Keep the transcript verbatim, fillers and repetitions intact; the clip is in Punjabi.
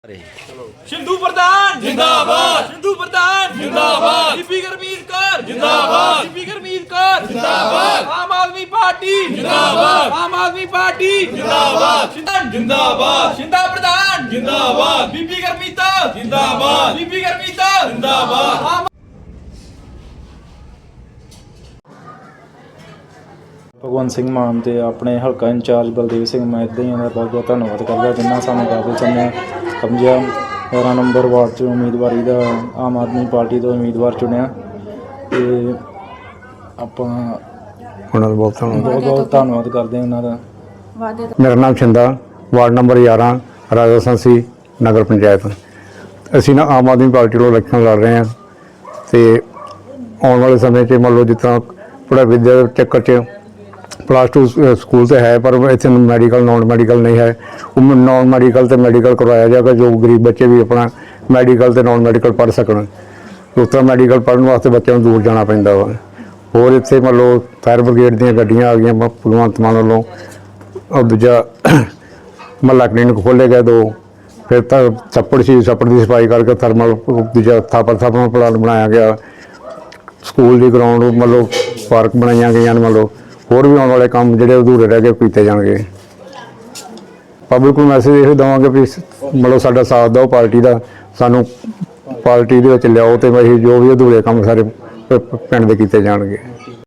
सिंधु प्रधान जिंदाबाद, सिंधु प्रधान जिंदाबाद, बीबी गुरमीत कौर जिंदाबाद, बीबी गुरमीत कौर जिंदाबाद, आम आदमी पार्टी जिंदाबाद, आम आदमी पार्टी जिंदाबाद, जिंदाबाद, सिंधा प्रधान जिंदाबाद, बीबी गुरमीत जिंदाबाद, बीबी गुरमीत जिंदाबाद। ਭਗਵੰਤ ਸਿੰਘ ਮਾਨ ਤੇ ਆਪਣੇ ਹਲਕਾ ਇੰਚਾਰਜ ਬਲਦੇਵ ਸਿੰਘ ਮੈਂ ਇੱਦਾਂ ਹੀ ਇਹਨਾਂ ਦਾ ਬਹੁਤ ਬਹੁਤ ਧੰਨਵਾਦ ਕਰਦਾ ਜਿਨ੍ਹਾਂ ਸਾਨੂੰ ਕਾਬਲ ਸਮੇਂ ਸਮਝਿਆ ਗਿਆਰਾਂ ਨੰਬਰ ਵਾਰਡ 'ਚ ਉਮੀਦਵਾਰੀ ਦਾ ਆਮ ਆਦਮੀ ਪਾਰਟੀ ਤੋਂ ਉਮੀਦਵਾਰ ਚੁਣਿਆ ਅਤੇ ਆਪਾਂ ਉਹਨਾਂ ਦਾ ਬਹੁਤ ਧੰਨਵਾਦ ਬਹੁਤ ਬਹੁਤ ਧੰਨਵਾਦ ਕਰਦੇ ਹਾਂ ਉਹਨਾਂ ਦਾ। ਮੇਰਾ ਨਾਮ ਛਿੰਦਾ, ਵਾਰਡ ਨੰਬਰ ਗਿਆਰਾਂ, ਰਾਜਾ ਸੰਸੀ ਨਗਰ ਪੰਚਾਇਤ। ਅਸੀਂ ਨਾ ਆਮ ਆਦਮੀ ਪਾਰਟੀ ਵੱਲੋਂ ਇਲੈਕਸ਼ਨ ਲੜ ਰਹੇ ਹਾਂ ਅਤੇ ਆਉਣ ਵਾਲੇ ਸਮੇਂ 'ਚ ਮੰਨ ਲਓ ਜਿਸ ਤਰ੍ਹਾਂ ਪੜ੍ਹਾਈ ਵਿੱਦਿਆ ਦੇ ਚੱਕਰ 'ਚ ਪਲੱਸ ਟੂ ਸਕੂਲ ਤਾਂ ਹੈ ਪਰ ਇੱਥੇ ਮੈਡੀਕਲ ਨੋਨ ਮੈਡੀਕਲ ਨਹੀਂ ਹੈ। ਉਹ ਨੋਨ ਮੈਡੀਕਲ ਅਤੇ ਮੈਡੀਕਲ ਕਰਵਾਇਆ ਜਾਏਗਾ ਜੋ ਗਰੀਬ ਬੱਚੇ ਵੀ ਆਪਣਾ ਮੈਡੀਕਲ ਅਤੇ ਨੋਨ ਮੈਡੀਕਲ ਪੜ੍ਹ ਸਕਣ। ਉਸ ਤਰ੍ਹਾਂ ਮੈਡੀਕਲ ਪੜ੍ਹਨ ਵਾਸਤੇ ਬੱਚਿਆਂ ਨੂੰ ਦੂਰ ਜਾਣਾ ਪੈਂਦਾ ਵਾ। ਹੋਰ ਇੱਥੇ ਮੰਨ ਲਓ ਫਾਇਰ ਬ੍ਰਿਗੇਡ ਦੀਆਂ ਗੱਡੀਆਂ ਆ ਗਈਆਂ ਭਗਵੰਤ ਮਾਨ ਵੱਲੋਂ। ਉਹ ਦੂਜਾ ਮਹੱਲਾ ਕਲੀਨਿਕ ਖੋਲ੍ਹੇ ਗਏ ਦੋ। ਫਿਰ ਤਾਂ ਛੱਪੜ ਸੀ, ਛੱਪੜ ਦੀ ਸਫਾਈ ਕਰਕੇ ਥਰਮਲ ਦੂਜਾ ਥਾਪਰ ਥਾਪਰ ਪਲਾਂਟ ਬਣਾਇਆ ਗਿਆ। ਸਕੂਲ ਦੀ ਗਰਾਊਂਡ ਮੰਨ ਲਓ ਪਾਰਕ ਬਣਾਈਆਂ ਗਈਆਂ ਨੇ। ਮੰਨ ਲਓ ਹੋਰ ਵੀ ਆਉਣ ਵਾਲੇ ਕੰਮ ਜਿਹੜੇ ਅਧੂਰੇ ਰਹਿ ਗਏ ਕੀਤੇ ਜਾਣਗੇ। ਪਬਲਿਕ ਨੂੰ ਮੈਸੇਜ ਇਹ ਦੇਵਾਂਗੇ ਵੀ ਮਤਲਬ ਸਾਡਾ ਸਾਥ ਦਿਓ ਪਾਰਟੀ ਦਾ, ਸਾਨੂੰ ਪਾਰਟੀ ਦੇ ਵਿੱਚ ਲਿਆਓ ਅਤੇ ਅਸੀਂ ਜੋ ਵੀ ਅਧੂਰੇ ਕੰਮ ਸਾਰੇ ਪਿੰਡ ਦੇ ਕੀਤੇ ਜਾਣਗੇ।